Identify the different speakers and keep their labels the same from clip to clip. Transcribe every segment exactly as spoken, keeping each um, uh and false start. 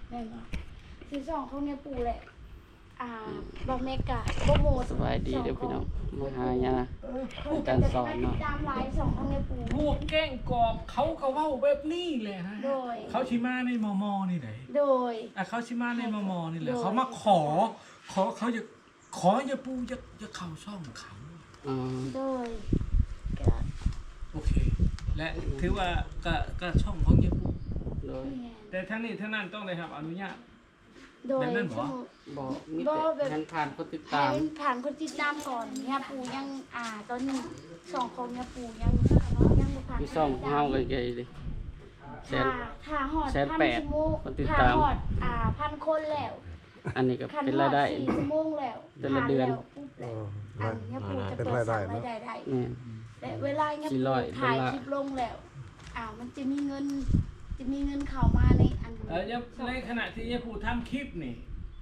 Speaker 1: แม่นบ่ซื้อสองของเนี่ยปู่แหละอ่าบ่แม่กะบ่โม
Speaker 2: สบายดีเด้อพี่น้องมาหายาอาจารย์สอนเนาะ
Speaker 1: ตามหลายสองของเนี่ยปู่
Speaker 3: พวกแกล้งกอบเขาก็เว้าแบบนี้แหละนะ
Speaker 1: โดย
Speaker 3: เขาชิมาในมอมอนี่ไหน
Speaker 1: โดย
Speaker 3: อ่ะเขาชิมาในมอมอนี่แหละ
Speaker 1: โดย
Speaker 3: เขามาขอ ขอเขาจะขออย่าปูจะจะเข้าช่องเขา
Speaker 2: อ๋อ
Speaker 1: โดยก็
Speaker 3: โอเค และถือว่าก็ก็ช่องของอย่าปู
Speaker 2: โดย
Speaker 1: แม่น
Speaker 3: แต่ทั้งนี้ทั้งนั้นต้องได้รับอนุญาต
Speaker 1: โดย
Speaker 3: แบบนั้นบ่
Speaker 2: บอกมี
Speaker 1: บ่
Speaker 2: แต่
Speaker 1: แบบ
Speaker 2: งานผ่านคนติด
Speaker 1: ให้
Speaker 2: ตาม
Speaker 1: มันผ่านคนติดตามก่อนเนี่ยปู่ยังอ่าตอนนี้สองของเนี่ยปู่ยังยังบ่ผ่าน
Speaker 2: พี่ซ่องเฮาเลยใหญ่เลยแส
Speaker 1: ถ้าน ถ้าฮอด
Speaker 2: แสน
Speaker 1: พัน
Speaker 2: แปด
Speaker 1: ชั่วโมง
Speaker 2: คนติด
Speaker 1: ถ้า
Speaker 2: ตาม
Speaker 1: ฮอดอ่าพันคนแล้ว
Speaker 2: อันนี้ก็
Speaker 1: คัน
Speaker 2: เป็น
Speaker 1: ฮอ
Speaker 2: ราย
Speaker 1: ด
Speaker 2: ได้
Speaker 1: สี่ชั่วโมงแล้ว
Speaker 2: แต่ละเดือน
Speaker 1: ผ่านแล้วปุ๊บ
Speaker 4: เอ
Speaker 1: แล้วอันเนี้ยปู่จะ
Speaker 4: อเป็น
Speaker 1: เปิด
Speaker 4: รายได้
Speaker 1: สั่ง
Speaker 4: เนอะ
Speaker 1: รายได้ได้
Speaker 2: แม่น
Speaker 1: และเวลาเนี้ย
Speaker 2: สี่
Speaker 1: ปู่
Speaker 2: ร้อย
Speaker 1: ถ่าย
Speaker 2: ดอลลาร์
Speaker 1: คลิปลงแล้วอ้าวมันจะมีเงิน จะมีเงินเข้ามาในอัน
Speaker 3: เอออย่าในขณะที่อย่าปูทำคลิปนี่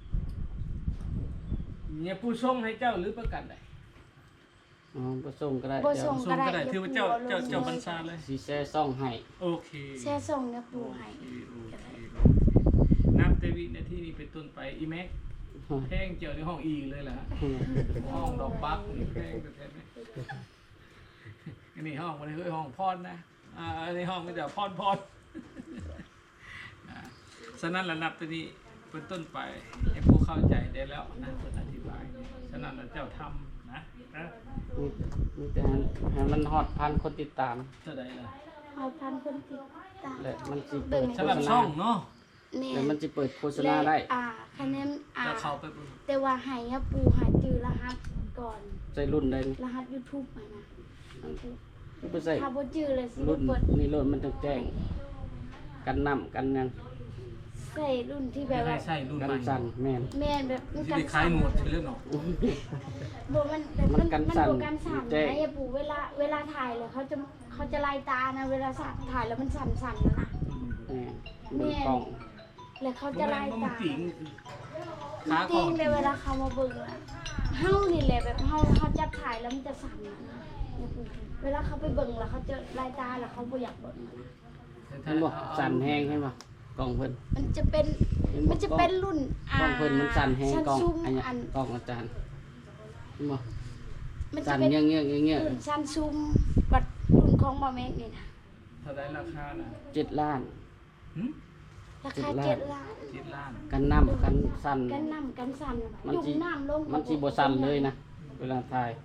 Speaker 3: อย่าปูส่งให้เจ้าหรือประกันใด
Speaker 2: อ๋อบ่ส่งก็ได้
Speaker 1: บ่
Speaker 2: เดี๋ย
Speaker 1: ส่
Speaker 2: ว
Speaker 1: ง
Speaker 3: ส่
Speaker 1: ก็
Speaker 3: ง
Speaker 1: ได้
Speaker 3: ก็ได้ถือว่าเจ้าเจ้าเจ้าบัญชาเลย
Speaker 2: สิแชร์ซ่องให้
Speaker 3: โอเค
Speaker 1: แช่ส่งเนี่ยปู่ให้
Speaker 3: โอเคโอเคนับแต่วินาทีนี้เป็นต้นไปอีแม็กแพงเจียวในห้องอีเลยล่ะห้องดอกบักนี่แพงแต่แท้ไหมอันนี้ห้องมันคือห้องพอดนะอ่าอันนี้ห้องมันจะพอดพอดอ่าฉะนั้นระนับตัวนี้เป็นต้นไปให้ผู้เข้าใจได้แล้วนะเพื่ออธิบายฉะนั้นเราเจ้าทำนะนะ
Speaker 2: มีมีแต่ให้ให้มันฮอดพันคนติดตาม
Speaker 3: เท่าใดล่ะ
Speaker 1: เอาพันคนติดตาม
Speaker 2: และมันสิเปิดโฆ
Speaker 3: สำหรับ
Speaker 2: ษ
Speaker 3: ช่
Speaker 2: ณา
Speaker 3: องเนาะ
Speaker 1: เนี่ย
Speaker 2: และมันสิเปิดโฆษณาได้
Speaker 1: อ่าคะแนนอ่า
Speaker 3: จะเข้าไปเบิ่ง
Speaker 1: แต่ว่าให้เนี่ยปู่หาจือรหัสก่อน
Speaker 2: ใส่รุ่นใด
Speaker 1: รหัส YouTube มานะ
Speaker 2: บ่ใส่
Speaker 1: ถ้าบ่จือเลยสิ
Speaker 2: รุ่น
Speaker 1: เปิด
Speaker 2: นี่รุ่นมันต้องแจ้ง กันน้ำกันหยัง
Speaker 1: ใส่รุ่นที่แบ
Speaker 3: จะ
Speaker 1: บ
Speaker 3: ได้
Speaker 1: ว่า
Speaker 3: ใส่รุ่น
Speaker 2: กัน
Speaker 3: ใหม่
Speaker 2: สั่นแม่น
Speaker 1: แม่นแบบมัน
Speaker 3: ที่
Speaker 1: กัน
Speaker 3: ได้ขายหมดเรื่องเนาะ
Speaker 1: บ่มันแต่
Speaker 2: มั
Speaker 1: มัน
Speaker 2: นกัน
Speaker 1: มัน
Speaker 2: สั่น
Speaker 1: บ่กันสั่น
Speaker 2: แจ้ง
Speaker 1: นะอย่าปู่เวลาเวลาถ่ายเลยเขาจะเขาจะลายตานะเวลาสั่นถ่ายแล้วมันสั่นๆนะนะ
Speaker 2: แม่นเบิ่งกล้อง
Speaker 1: แล้วเขา
Speaker 3: มัน
Speaker 1: จะลาย
Speaker 3: มัน
Speaker 1: ตา
Speaker 3: ติ่ง
Speaker 1: จ
Speaker 3: ขาก่
Speaker 1: ริ
Speaker 3: อง น
Speaker 1: เลยเวลาเขามาเบิ่งอะเฮานี่แหละแบบเฮาเฮาจับถ่ายแล้วมันจะสั่นนะอย่าปู่เวลาเขาไปเบิ่งแล้วเขาจะลายตาแล้วเขาบ่อยากเบิ่งนะ
Speaker 2: เห็นบ่สั่นแห้งเห็นบ่กล้องเพิ่น
Speaker 1: มันจะเป็นมันจะเป็นรุ่น
Speaker 2: กล้องเพิ่นมันสั่นแห้งกล้อง
Speaker 1: ซูม
Speaker 2: อันเนี้ย
Speaker 1: อัน
Speaker 2: กล้องอาจารย์เห็นบ่
Speaker 1: มันจะ
Speaker 2: สั่น
Speaker 1: เป็น
Speaker 2: เงี้ยเงี้ยเงี้ยเงี้ย
Speaker 1: รุ่นซันซูมบัดรุ่นของบ่แม่นนี่นะ
Speaker 3: เท่าไดราคาน่ะ
Speaker 2: เจ็ดล้าน
Speaker 3: หึ
Speaker 1: ราคา
Speaker 2: เจ็
Speaker 1: เจ็
Speaker 2: ด
Speaker 1: ด
Speaker 2: ล้าน
Speaker 1: ล้าน
Speaker 3: เจ็ดล้าน
Speaker 2: กันน้ำกันสั่น
Speaker 1: กันน้ำกันสั่น
Speaker 2: มัน
Speaker 1: จุ่
Speaker 2: สิ
Speaker 1: มน้ำลง
Speaker 2: มันสิบ่สั่นเลยนะเวลาถ่าย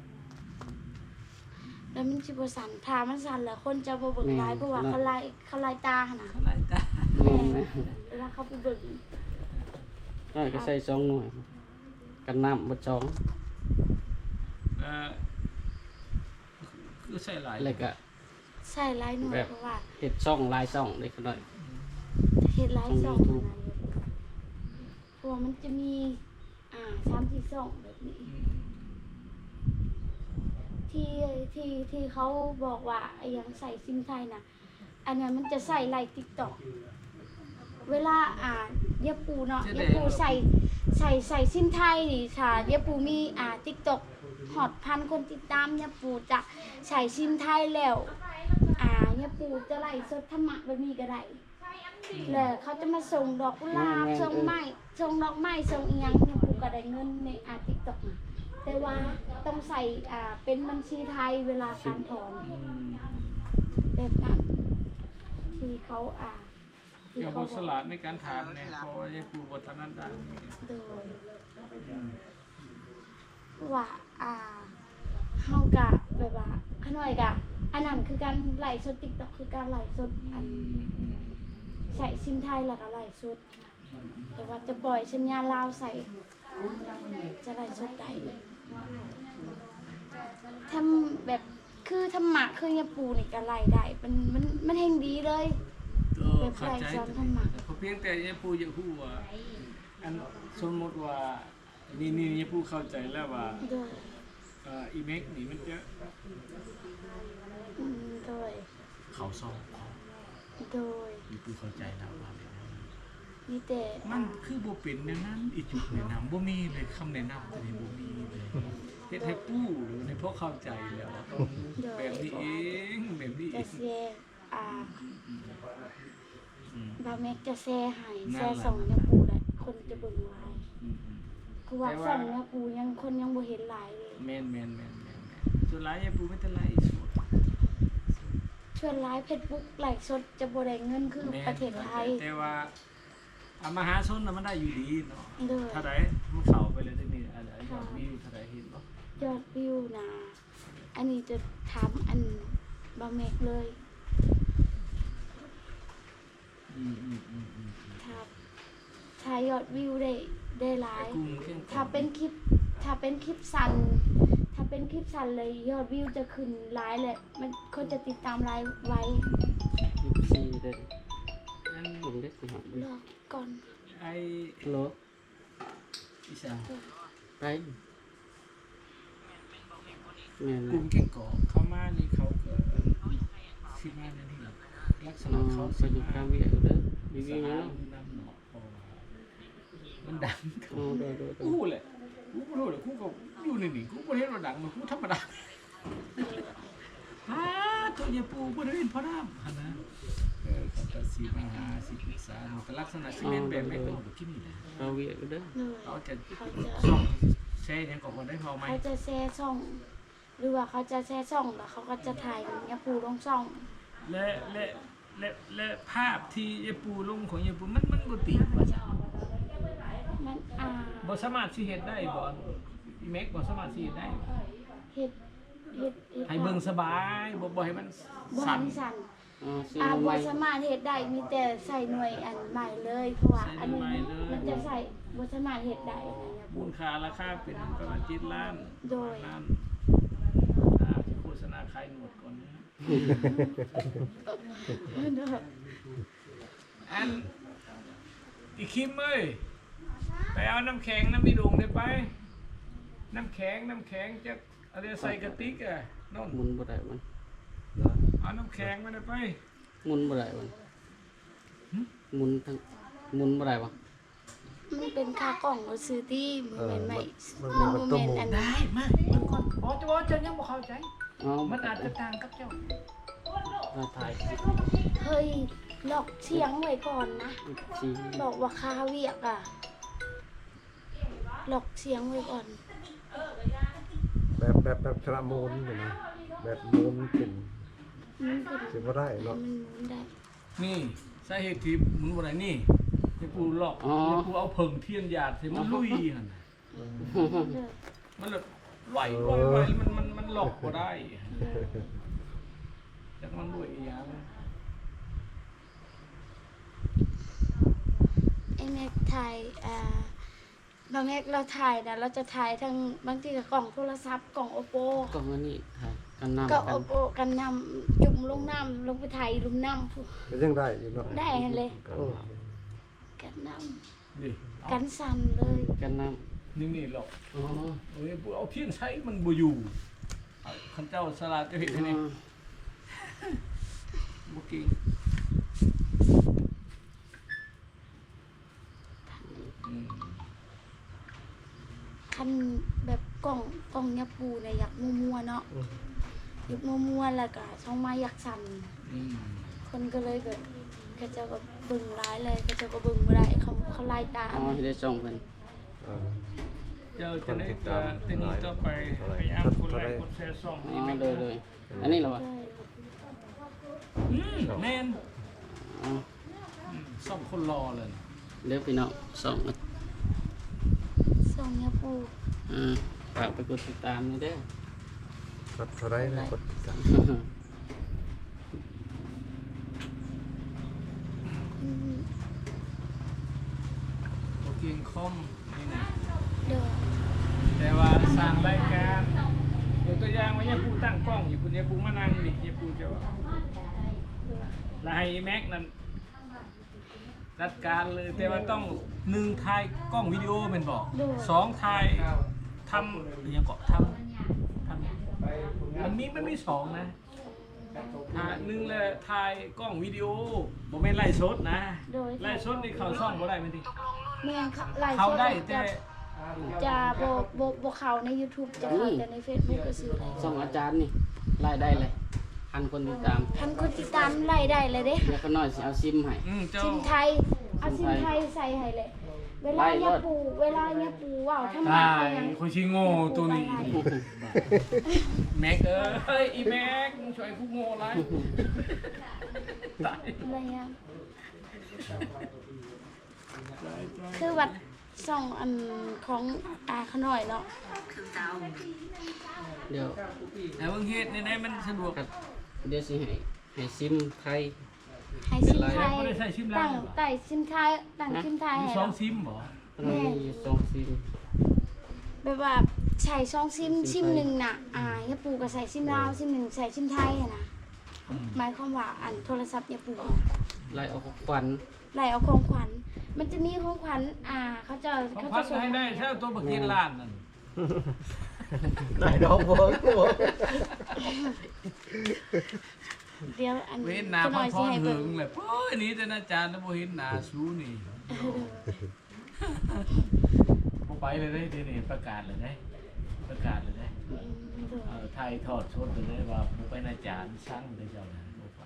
Speaker 1: แล้วมันสิบ่สั่นถ้ามันสั่นแล้วคนจะบ่เบิ่งหลายเพราะว่าเขาลายเขาลายตาหั่นน่ะ
Speaker 3: เท่าไหร่จ้ะ
Speaker 2: แม่นนะ
Speaker 1: เวลาเขาไปเบิ่ง
Speaker 2: น้อยก็ใส่สองหน่วย กันน้ำบ่สอง
Speaker 3: เอ่อคือใส่หลาย
Speaker 2: แล้วก็
Speaker 1: ใส่หลายหน่วยเพราะว่า
Speaker 2: เฮ็ดช่องหลายช่องเล็กน้อย
Speaker 1: เฮ็ดหลาย
Speaker 2: ช่
Speaker 1: ช่
Speaker 2: อ
Speaker 1: อง ง
Speaker 2: YouTube
Speaker 1: เพราะว่ามันจะมีอ่าสามสี่ช่องแบบนี้
Speaker 3: อืม
Speaker 1: ที่ที่ที่เขาบอกว่าไอ้หยังใส่ซิมไทยน่ะ อันนั้นมันจะใส่ไลน์ TikTok เวลาอ่าเยาปูเนาะเยาปูใส่ใส่ใส่ซิมไทยนี่ค่ะเยาปูมีอ่า TikTok ฮอตพันคนติดตามเยาปูจะใส่ซิมไทยแล้วอ่าเยาปูจะไล่สดธรรมะแบบนี้ก็ได้แล้วเขาจะมาส่งดอกกุหลาบส่งไม้ส่งดอกไม้ส่งอีหยังเยาปูก็ได้เงินในอ่า TikTok น่ะแต่ว่าต้องใส่อ่าเป็นบัญชีไทยเวลาการถอน
Speaker 3: อืม
Speaker 1: แบบนั้นที่เขาอ่าที่
Speaker 3: เกี่ยว
Speaker 1: เขา
Speaker 3: กับสลัดในการถามเนี่ยเพราะว่ายังปูบทนั้นได้
Speaker 1: โดยว่าอ่าเฮากะแบบว่าขน่อยกะอันนั้นคือการไล่สด TikTok คือการไล่สดอันใส่ซิมไทยแล้วก็ไล่สดแต่ว่าจะปล่อยสัญญาณลาวใส่จะไล่สดได้ทำแบบคือทำหมักคือเนี่ยปูนี่ก็ไล่ได้มันมันมันเฮงดีเลย
Speaker 3: เออเข้าใจเพราะเพียงแต่ยังปูยังพูดว่าอันสมมติว่านี่นี่ยังพูดเข้าใจแล้วว่า
Speaker 1: โดย
Speaker 3: เอ่ออีเมกนี่มันจะ
Speaker 1: อืมโดย
Speaker 3: เขาซ่อมเขา
Speaker 1: โดย
Speaker 3: ยังพูดเข้าใจแล้วว่าแบบนั้น
Speaker 1: มีแต่
Speaker 3: มันคือบ่เป็นแนวนั้นอีจุดแนะนำบ่มีเลยคำแนะนำตัวนี้บ่มีเลยเฮ็ดให้ปู้หรือในพวกเข้าใจแล้วต้องแบบนี้เองแบบนี้เอ
Speaker 1: จะ
Speaker 3: ง
Speaker 1: แซ่อ่า
Speaker 3: อืม
Speaker 1: บาแม็กจะแซ่ให้
Speaker 3: นั่
Speaker 1: แซ่
Speaker 3: นแหละ
Speaker 1: ส่งเนี่ยปูเบิ่งหลาย
Speaker 3: อืมอืม
Speaker 1: คือว่าส่องเนี่ยปูยังคนยังบ่เห็นหลายเลย
Speaker 3: แม่นแม่นแม่นแม่นแม่นส่วนหลายยายปูไม่เป็นไรสด
Speaker 1: ชวนหลาย Facebook ไลฟ์สดจะบ่ได้เงินคือ
Speaker 3: แม่น
Speaker 1: ประเทศไทย
Speaker 3: แต่ว่าเอามาหาชนน่ะมันได้อยู่ดีเนาะ
Speaker 1: เด้อ
Speaker 3: ถ้าใดมันเข้าไปเลยได้นี่อะไรยอดวิวถ้าใดเห็นบ่
Speaker 1: ยอดวิวนะอันนี้จะถามอันบะเมกเลย
Speaker 3: อืมอืมอืมอืม
Speaker 1: ถ้าถ้ายอดวิวได้ได้หลา
Speaker 3: ไอ้
Speaker 1: ย
Speaker 3: กุ้งเครื่อง
Speaker 1: ถ้าเป็นคลิป ถ้าเป็นคลิปสั้น ถ้าเป็นคลิปสั้นเลยยอดวิวจะขึ้นหลายเลยมันคนจะติดตามหลายไว้
Speaker 2: ยี่สิบสี่เด้อ
Speaker 3: อัน
Speaker 2: ผมเล็กสิครับ
Speaker 1: รอก่อน
Speaker 3: ไอ้
Speaker 2: โล
Speaker 3: อีสาน
Speaker 2: ไปแม่น
Speaker 3: กลุ่มเก่งกอกเข้ามานี่เขาก็สิมาในนี่ลักษ
Speaker 2: อ๋
Speaker 3: ณะ
Speaker 2: อ
Speaker 3: เขา
Speaker 2: ไป
Speaker 3: สิ
Speaker 2: ดู
Speaker 3: มา
Speaker 2: ข้ามเวียอยู่เด้อมี
Speaker 3: สา
Speaker 2: วิ่ง
Speaker 3: ว
Speaker 2: แล้ว
Speaker 3: น้ำเนาะเพราะว่ามันดัง
Speaker 2: โอ้โดดโดดโด
Speaker 3: กู
Speaker 2: ด
Speaker 3: แหละกูบ่รู้แหละกูก็อยู่ในนี่กูบ่เห็นว่าดังมันกูธรรมดาฮ่าตัวยายปูบ่ได้เห็นพ่อน้ำหั่นนะเออเขาก็สิมาหาสิปรึกษาเนาะก็ลักษณะสิแม่นแบบแม่นก็บ่กินนี่แหละ
Speaker 2: ข้ามเวียอยู่เด้อ
Speaker 1: เลย
Speaker 3: เขาจะ
Speaker 1: เขาจะ
Speaker 3: ส่องแชร์หยังก็บ่ได้พอไหม
Speaker 1: เขาจะแชร์ช่อง หรือว่าเขาจะแชร์ช่องแล้วเขาก็จะถ่ายเนี่ยปูลงช่อง
Speaker 3: และและและและภาพที่ยายปูลงของยายปูมันมันบ่ติดว่าซั่น
Speaker 1: มันอ่า
Speaker 3: บ่สามารถสิเฮ็ดได้บ่อีเมกบ่สามารถสิเฮ็ดได้
Speaker 1: เฮ็ดเฮ็ดฮ็ด
Speaker 3: ให้เบิ่งสบายบ่บ่ให้มัน
Speaker 1: บ่
Speaker 3: สั่
Speaker 1: หั
Speaker 3: น
Speaker 1: นสั่น
Speaker 2: อ๋อซื้อ
Speaker 1: อ่า
Speaker 2: มาให
Speaker 1: บ่
Speaker 2: ม่
Speaker 1: สามารถเฮ็ดได้มีแต่ใส่หน่วยอันใหม่เลย เพราะว่าอันนี้มันจะใส่บ่สามารถเฮ็ดได้นะเนี่ย
Speaker 3: มูลค่าราคาเป็นประมาณเจ็ดล้าน
Speaker 1: โดย
Speaker 3: ล้านอ่าโฆษณาขายหนวดก่อนนะ
Speaker 1: เด้อ
Speaker 3: อันอีคิมเอ้ยไปเอาน้ำแข็งน้ำมีดงได้ไป น้ำแข็งน้ำแข็งจะอะไรใส่กระติกอ่ะน้อง
Speaker 2: หมุนบ่ได้มัน
Speaker 3: เอาน้ำแข็งมาได้ไป
Speaker 2: หมุนบ่ได้มันหมุนทั้งหมุนบ่ได้บ่
Speaker 1: มันเป็นค่ากล่องบ่ซื้อที่มันแม่นไม่
Speaker 4: มัน
Speaker 1: มัน
Speaker 4: มัน
Speaker 1: บ่
Speaker 4: ต้ม
Speaker 1: แม่น
Speaker 4: หมู
Speaker 1: อัน
Speaker 3: ได้มามันก่อนบอจะบอจะยังบ่เข้าใจ
Speaker 2: อ๋อ
Speaker 3: มันอาจจะต่างกับเจ้า
Speaker 2: มาถ่าย
Speaker 1: เฮ้ยหลอกเสียงไว้ก่อนนะ
Speaker 2: สี่
Speaker 1: บอกว่าคาเวียกอ่ะหลอกเสียงไว้ก่อน
Speaker 4: แบบแบบแบบชนะมูลอยู่นะแบบมูลขึ้น
Speaker 1: มันเป็น
Speaker 4: สิบ่ได้เนาะ
Speaker 1: มันหมุนได้
Speaker 3: นี่สาเหตุที่หมุนบ่ได้นี่ยายปูหลอก
Speaker 2: อ๋อย
Speaker 3: ายปูเอาเพิ่งเทียนหยาดใส่มันลุยหั่นน่ะ
Speaker 1: เด้อ
Speaker 3: มันแบบไหวไหวไหวมันมันมันหลอกบ่ได้จากมันด้วยอีหยัง
Speaker 1: ไอ้แม็กถ่ายอ่าบางแม็กเราถ่ายนะเราจะถ่ายทั้งบางทีกับกล่องโทรศัพท์กล่อง Oppo
Speaker 2: กล่องอันนี้ถ่ายกันน้ำ
Speaker 1: ก็
Speaker 2: กัน
Speaker 1: Oppo กันนำจุ่มลงน้ำลงไปถ่ายลุมน้ำพู
Speaker 4: ก็ยังได้อยู่เนาะ
Speaker 1: ได้หั่นเลย
Speaker 4: โอ้
Speaker 1: กันน้
Speaker 3: นี่
Speaker 1: ำกันสั่นเลย
Speaker 2: กันน้
Speaker 3: นี่นี่หลอก
Speaker 2: ำอ๋อ
Speaker 3: โอ้ยปูเอาเทียนใช้มันบ่อยู่เอาคันเจ้าสลัดจะเห็นนี่บ่เก่งอืม
Speaker 1: คันแบบกล่องกล่องยาปูเนี่ยอยากมัวๆเนาะอยากมัวๆแล้วก็ช่องมาอยากสั่น
Speaker 3: อืม
Speaker 1: คนก็เลยแบบเขาเจ้าก็เบึงร้ายเลยเขาเจ้าก็เบึงบ่ได้เขาเขาไล่ตาม
Speaker 2: อ๋อให้ได้ส่งเพิ่น
Speaker 4: อ่า
Speaker 3: เจ้าจะได้ต่อทีนี้ต่อไปพยายามกดไลค์กดแชร์ส่อง
Speaker 2: อ๋
Speaker 3: นี่
Speaker 2: อ
Speaker 3: ไม่
Speaker 2: เล
Speaker 3: เกิ
Speaker 2: ย
Speaker 3: น
Speaker 2: เลยอันนี้เหรอวะ
Speaker 1: ใช่
Speaker 3: อืมแม่น
Speaker 2: อ๋อ
Speaker 3: อืมส่องคนรอเลย
Speaker 2: เดี๋ยวพี่น้องส่งอ่ะ
Speaker 1: ส่งยาปู
Speaker 2: อ่าฝากไปกดติดตามหนี่อยเด้อ
Speaker 4: กดเท่าไรนะกดกัน
Speaker 1: อืม
Speaker 3: โอเคคอมนี่นะ
Speaker 1: เด้อ
Speaker 3: แต่ว่าสร้างรายการยกตัวอย่างว่าเนี่ยปูตั้งกล้องอยู่คุณเนี่ยปูมานั่งดิเนี่ยปูจะว่าแล้วให้แม็กนั่นจัดการเลยแต่ว่าต้องหนึ่งถ่ายกล้องวิดีโอเป็นบอกสองถ่ายทำอหยังเกาะทำทำมันมีมันมีสองนะถ่ายหนึ่งเลยถ่ายกล้องวิดีโอบ่แม่นไล่สดนะ
Speaker 1: โดย
Speaker 3: ไล่สดนี่เขาซ่องบ่ได้แม่นติ
Speaker 1: แม่งเขาไล่
Speaker 3: เขาได้
Speaker 1: จะ
Speaker 3: แต่
Speaker 1: จะบ่บ่บ่เข้าใน YouTube จะเข้าแต่ใน Facebook ก็ซื้อได้
Speaker 2: ส่งอาจารย์นี่รายได้เลยพันคนติดตาม
Speaker 1: พันคนติดตามไล่ได้เลยเด้
Speaker 2: เดี๋ยวเขาน้อยสิเอาซิมให้
Speaker 3: อืมเจ้า
Speaker 1: ซิมไทยเอาซิมไทยใส่ให้เลย เวลาเนี่ยปูเวลาเนี่ยปูว่าวทำไม
Speaker 3: ตาย
Speaker 1: ยัง
Speaker 3: คนชิโง่ตัวนี้แม็กเอ้ยอีแม็กมึงช่วยกูโง่ไรตาย
Speaker 1: อะไรเงี้ยคือวัดส่องอันของอาขน่อยเนาะ
Speaker 2: เดี๋ยว
Speaker 3: แต่เบิ่งเฮ็ดในไหนมันสะดวก
Speaker 2: ครับเดี๋ยวสิให้ให้ซิมไทย
Speaker 1: ให้ซิมไทย
Speaker 3: ไม่ได้ใส่ซิมลา
Speaker 1: ตั้
Speaker 3: ว
Speaker 1: งไต่ซิมไทยตั้งซิมไทย
Speaker 3: มี
Speaker 1: ให้
Speaker 3: สอ
Speaker 1: เรา
Speaker 3: งซิมบ่
Speaker 2: มันมีอยู่สองซิม
Speaker 1: แบบว่าใส่ซองซิมซิมหนึ่งน่ะอ่าเนี่ยปูก็ใส่ซิมลาวซิมหนึ่งใส่ซิมไทยอะนะหมายความว่าอันโทรศัพท์เนี่ยปู
Speaker 2: ไล่เอาของขวัญ
Speaker 1: ไหลเอาของขวัญ มันจะมีของขวัญอ่าเขาจะ
Speaker 3: ของ
Speaker 1: เขา
Speaker 3: พั
Speaker 1: จะ
Speaker 3: ด
Speaker 1: ส่ง
Speaker 3: ให้ได้ถ้าตัวบักเก็ตล้านนั่น
Speaker 4: ได้ดอกบัวบัว
Speaker 1: เดี๋ยวอัน
Speaker 3: เว้นหน้า
Speaker 1: จะ
Speaker 3: พ
Speaker 1: น้
Speaker 3: อ
Speaker 1: อย
Speaker 3: พ
Speaker 1: สิ
Speaker 3: อ
Speaker 1: ให้
Speaker 3: หึ
Speaker 1: เบิ่ง
Speaker 3: งเลยโอ้ยนี่แต่อาจารย์แล้วบ่เห็นหน้าสู้นี่บ่ไปเลยได้ทีนี้ประกาศเลยได้ประกาศเลยได้
Speaker 1: อืม
Speaker 3: เออไทยทอดสดเลยได้ว่าบ่ไปอาจารย์สั่งเลยเจ้านะบ่ไป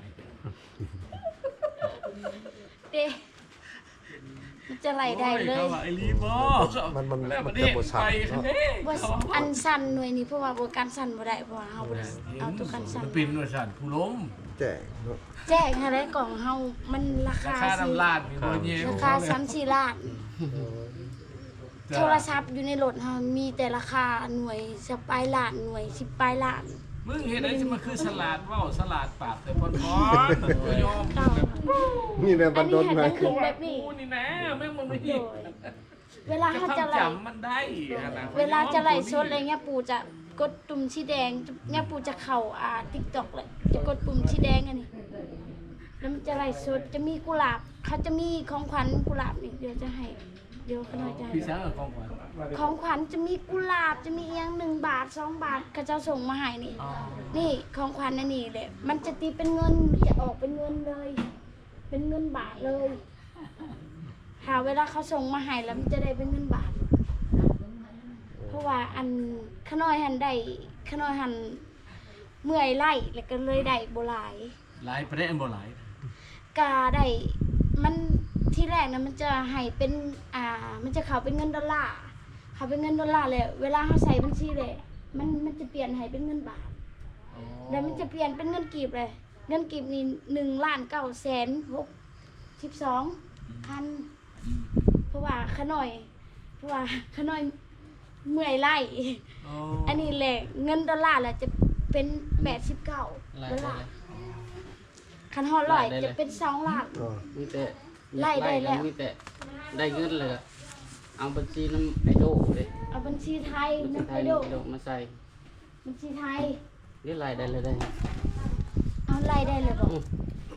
Speaker 1: เด้มันจะไหลได้เลย
Speaker 3: เขาว่าไอ้ลีบ่
Speaker 4: มันมัน
Speaker 3: แล้ว
Speaker 4: มั
Speaker 3: มัน น
Speaker 4: จะ
Speaker 3: เด้
Speaker 4: บ่สั่น
Speaker 3: ไป
Speaker 4: เนาะ
Speaker 3: เด้
Speaker 1: ว่าอันสั่นหน่วยนี้เพราะว่าบ่การสั่นบ่ได้เพราะว่าเฮาบ่ได้เอาตัวกันสั่น
Speaker 3: มันเป็นว่าสั่นผู้ล้ม
Speaker 4: แจ้งเนาะ
Speaker 1: แจ้งให้ได้กล่องเฮามันรา
Speaker 3: รา
Speaker 1: คา
Speaker 3: คา
Speaker 1: สิ
Speaker 3: น้ำลาดมีบ่เงี้ย
Speaker 1: ราคาสามสี่ล้าน โทรศัพท์อยู่ในรถเฮามีแต่ราคาหน่วยสปลายล้านหน่วยสิบปลายล้าน
Speaker 3: มึงเห็นไอ้ที่มันคือสลัดเว้าสลัดปากแต่พอนพอนตัวยอม
Speaker 1: เก่า
Speaker 4: นี่แหละ
Speaker 1: อั
Speaker 4: บั
Speaker 1: น
Speaker 4: น
Speaker 1: นี้
Speaker 4: ดล
Speaker 1: ให้
Speaker 4: ไหม
Speaker 1: มันขึ้นแบบนี้
Speaker 3: กูนี่นะแม่งมันไม่
Speaker 1: โด
Speaker 3: ดี
Speaker 1: ยเวลาเขาจะไหล
Speaker 3: จำมันได้ขนาด
Speaker 1: เวลาจะไหลสดอะไรเงี้ยปู่จะกดปุ่มสีแดงเนี่ยปู่จะเข้าอ่า TikTok เลยจะกดปุ่มสีแดงอันนี้แล้วมันจะไหลสดจะมีกุหลาบเขาจะมีของขวัญกุหลาบนี่เดี๋ยวจะให้เดี๋ยวเขาหน่อยจะให้
Speaker 3: พี่สาวของขวัญ
Speaker 1: ของขวัญจะมีกุหลาบจะมีเอียงหนึ่งบาทสองบาทเขาจะส่งมาให้นี่
Speaker 3: อ๋อ
Speaker 1: นี่ของขวัญอันนี้แหละมันจะตีเป็นเงินจะออกเป็นเงินเลย เป็นเงินบาทเลยหาเวลาเขาส่งมาให้แล้วมันจะได้เป็นเงินบาท เพราะว่าอันขน้อยหันได้ขน้อยหันเมื่อยไล่แล้วก็เลยได้โบหลาย
Speaker 3: หลายประเด็นบ่หลาย
Speaker 1: กาได้มันที่แรกนะมันจะให้เป็นอ่ามันจะเขาเป็นเงินดอลลาร์เขาเป็นเงินดอลลาร์เลยเวลาเขาใส่บัญชีเลยมันมันจะเปลี่ยนให้เป็นเงินบาท
Speaker 3: อ๋อ
Speaker 1: แล้วมันจะเปลี่ยนเป็นเงินกีบเลย เงินกีบนี่หนึ่งล้านเก้าแสนหกสิบสองพัน
Speaker 3: อืม
Speaker 1: เพราะว่าขน้อย เพราะว่าขน้อยเมื่อยไล่
Speaker 3: โอ้
Speaker 1: อันนี้แหละเงินดอลลาร์แหละจะเป็นแปดสิบเก้า
Speaker 2: ไล่
Speaker 1: ดอล
Speaker 2: ได้
Speaker 1: ลาร์
Speaker 2: เลย
Speaker 1: คันฮอดร้อย
Speaker 2: ไล่ได้เลย
Speaker 1: จะเป็นสองล้าน
Speaker 4: อ๋อ
Speaker 2: มีแต่
Speaker 1: ไล่ได้แล้ว
Speaker 2: มีแต่ได้เงินเลยอะเอาบัญชีน้ำไอโดเลย
Speaker 1: เอาบัญชีไทย
Speaker 2: บัญชี
Speaker 1: น้ำ
Speaker 2: ไท
Speaker 1: ไอย โด
Speaker 2: ไอโดมาใส่
Speaker 1: บัญชีไทย
Speaker 2: นี่ไล่ได้เลยได้
Speaker 1: เอาไล่ได้เลยบอก
Speaker 2: อืม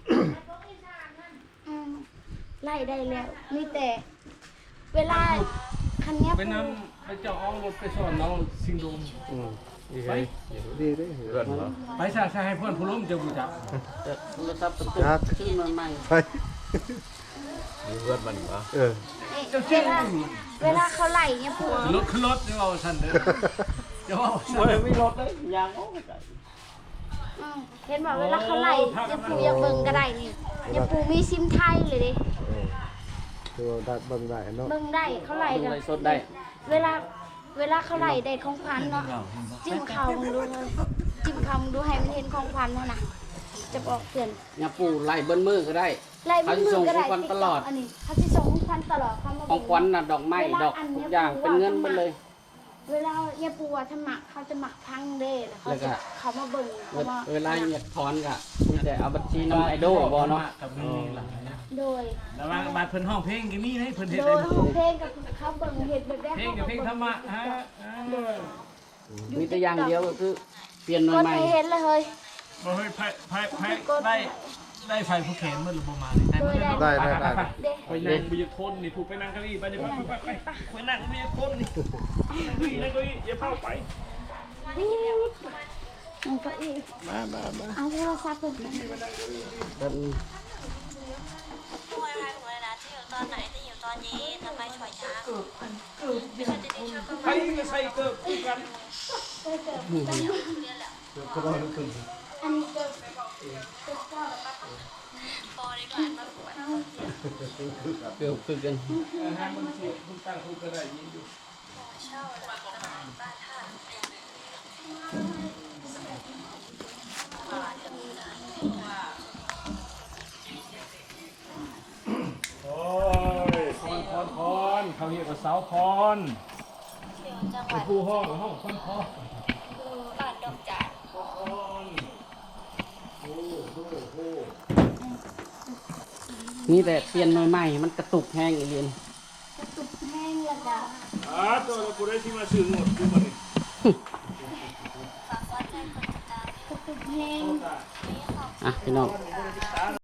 Speaker 1: อืมไล่ได้แล้ว มีแต่ เวลาคันเนี้ย
Speaker 3: เป็นน้ำไปเจ้าเอารถไปสอนน้องสิงโดม
Speaker 4: อืมดีเลยดีเด้เฮือนบ่
Speaker 3: ไปสร้างให้เพื่อนผู้ล้มเจ้าผู้จับ
Speaker 2: แต่โทรศัพท์ประตู
Speaker 4: ครับ
Speaker 2: ชื่อมันใหม่
Speaker 4: ไป
Speaker 5: มีเพื่อนมันวะ
Speaker 4: เออ
Speaker 3: เจ้า
Speaker 1: เว
Speaker 3: เชื่อ
Speaker 1: ลาเวลาเขาไล่เนี่ยพวก
Speaker 3: รถขึ้นรถเดี๋ยวเอาสั่นเด้อเดี๋ยวเอาสั่น
Speaker 2: โอ้ยไม่รถเลยยางโอ้ย
Speaker 1: อืมเห็นบอกเวลาเขาไล่เนี่ยปูอย่าเบิ่งก็ได้นี่เนี่ยปูมีซิมไทยเลยดิ
Speaker 4: เออคือได้เบิ่งได้เนาะ
Speaker 1: เบิ่งได้เขาไล่
Speaker 2: ดู
Speaker 1: กัน
Speaker 2: ไลฟ์สดได้
Speaker 1: เวลาเวลาเขาไล่ได้ของขวัญเนาะจิ้มเขามึงดูเลยจิ้มเขามึงดูให้มันเห็นของขวัญเนาะนะจะบอกเตือน
Speaker 2: เนี่ยปู่ไล่เบิ้ลมือก็ได้
Speaker 1: ไล่มือก็ได้
Speaker 2: เขาสิส่งของขวัญตลอด
Speaker 1: อันนี้เขาจะส่งของขวัญตลอดเขามา
Speaker 2: ของขวัญน่ะดอกไม้ดอกทุกอย่างเป็นเงินหมดเลย
Speaker 1: เวลาเนี่ยปูว่าถ้าหมักเขาจะหมักพังเด้แล้วเขาจะเขามาเบิ่งเขามา
Speaker 2: เวลาอยากถอนก็มีแต่เอาบัญชีน้ำไอโดบ่เนาะ
Speaker 3: กับมีหลายนะ
Speaker 1: โดย
Speaker 3: แล้วว่าบาดเพิ่นห้องเพลงก็มีให้เพิ่นเฮ็ด
Speaker 1: โด
Speaker 3: ได้
Speaker 1: ยห้องเพลงกับเขาเบิ่งเห็ดแบบแรก
Speaker 3: เพลงกับเพลงธรรมะฮะอ่า
Speaker 1: โดย
Speaker 2: มีแต่อย่างเดียวก็คือเปลี่ยนหน่
Speaker 1: ก็
Speaker 2: วยใหม่
Speaker 1: ให้เห็นเลยเฮ้ย
Speaker 3: บ่เฮ้ยไผไผไผได้ได้ไฟผู้แขนมันหรือบ่มานี่ได้
Speaker 4: ได้ได้ได้
Speaker 1: เด้
Speaker 3: ไปนั่งบ่อยากทนนี่ผู้ไปนั่งเก้าอี้ไปเดี๋ยวไปไปไปไปนั่งบ่อยากทนนี่นั่งเก้าอี้อย่าเผาไป
Speaker 1: มันก็อีก
Speaker 3: มามามา
Speaker 1: เอาโทรศัพท์ไป
Speaker 2: แบบ
Speaker 6: ช่วยให้หนูเลยนะจะอยู่ตอนไหนจะอยู่ตอนเย็นทำไมช่วยช้าไม่ใช่จะได้ช่วยก็
Speaker 3: ไปก็ใส่เกิบคู่กัน
Speaker 1: อันนี้เกิด
Speaker 6: พอเลยก็บ้านมาปวด
Speaker 2: เกือบคือกัน
Speaker 3: อาหารมันเสียคุณตั้งคุณก็ได้ยินอยู่
Speaker 6: เช่าแล้วก็บ้านท่า
Speaker 3: โอ้ยพรพรพรเขาเรียกว่าเสาพร
Speaker 6: อยู่จังห
Speaker 3: เป็
Speaker 6: วัน ด
Speaker 3: ผู้ห้องห้องพรพร
Speaker 6: บ้านดอกจาน
Speaker 3: พรโอ้โหโห
Speaker 2: นี่แต่เปลี่ยนใหม่ๆมันกระตุกแห้งอีเรียน
Speaker 1: กระตุกแห้งและจ้ะ
Speaker 3: อ่าตัวเรากูได้ที่มาซื้อหมดดูมาดิ
Speaker 6: ฝากกดไลค์กดติดตาม
Speaker 1: กระตุกแห้ง
Speaker 2: อ่ะพี่น้อง
Speaker 3: กูได้ที่ตาม